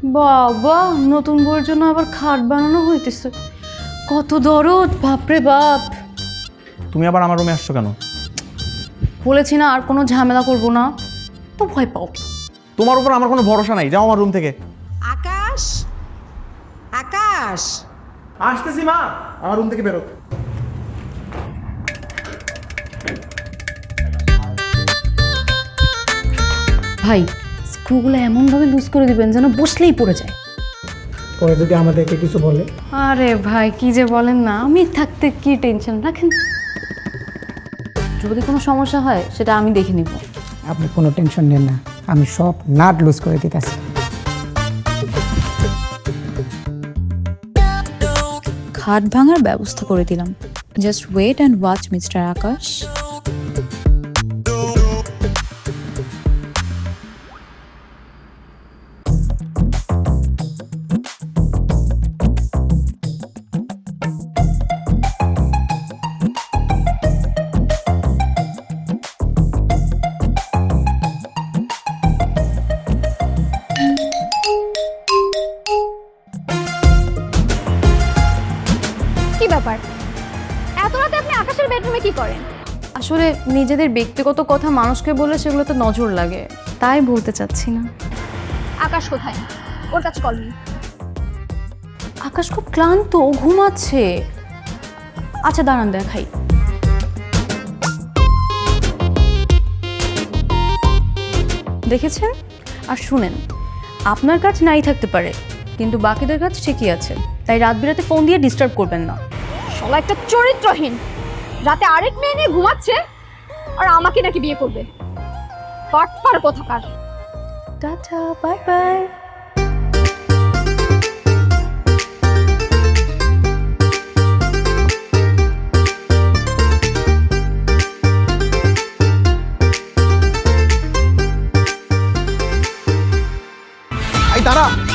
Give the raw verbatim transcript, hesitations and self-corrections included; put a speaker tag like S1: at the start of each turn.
S1: বাবা, নতুন বউয়ের জন্য আবার খাট বানানো হইতেছে। কত দরদ, বাপরে বাপ।
S2: তুমি আবার আমার রুমে আসছো কেন?
S1: বলেছি না আর কোনো ঝামেলা করবো না, তো ভয় পাও।
S2: তোমার উপর আমার কোনো ভরসা নাই, যাও আমার রুম থেকে।
S3: আকাশ, আকাশ,
S2: আসতেছি মা, আমার রুম থেকে বেরো।
S1: ভাই, স্ক্রুগুলো এমনভাবে লুজ করে দিবেন যেন বসলেই পড়ে যায়।
S4: পরে যদি আমাদেরকে কিছু বলে?
S1: আরে ভাই, কি যে বলেন না, আমি থাকতে কি টেনশন রাখেন। যদি কোনো সমস্যা হয় সেটা আমি দেখে নিব।
S4: আপনি কোনো টেনশন নেন না, আমি সব নাট লুজ করে দিতেছি।
S5: খাট ভাঙার ব্যবস্থা করে দিলাম। Just wait and watch mister Akash.
S6: কি ব্যাপার, এত রাতে আপনি আকাশের বেডরুমে কি করেন?
S1: আসলে নিজেদের ব্যক্তিগত কথা মানুষকে বলে সেগুলোতে নজর লাগে, তাই বলতে চাচ্ছি না।
S6: আকাশ কোথায়? ওর কাছে কল নেই।
S1: আকাশ খুব ক্লান্ত, ও ঘুমাচ্ছে। আচ্ছা দাঁড়ান, দেখাই। দেখেছেন? আর শুনেন, আপনার কাজ নাই থাকতে পারে, কিন্তু বাকিদের কাজ ঠিকই আছে, তাই রাত বিরাতে ফোন দিয়ে ডিস্টার্ব করবেন না।
S6: শালা একটা চরিত্রহীন, রাতে আরেক মেয়ে নিয়ে ঘুমাচ্ছে আর আমাকে নাকি বিয়ে করবে। পাটপার কোথাকার।
S1: Tata, bye bye.
S2: এই দাঁড়া।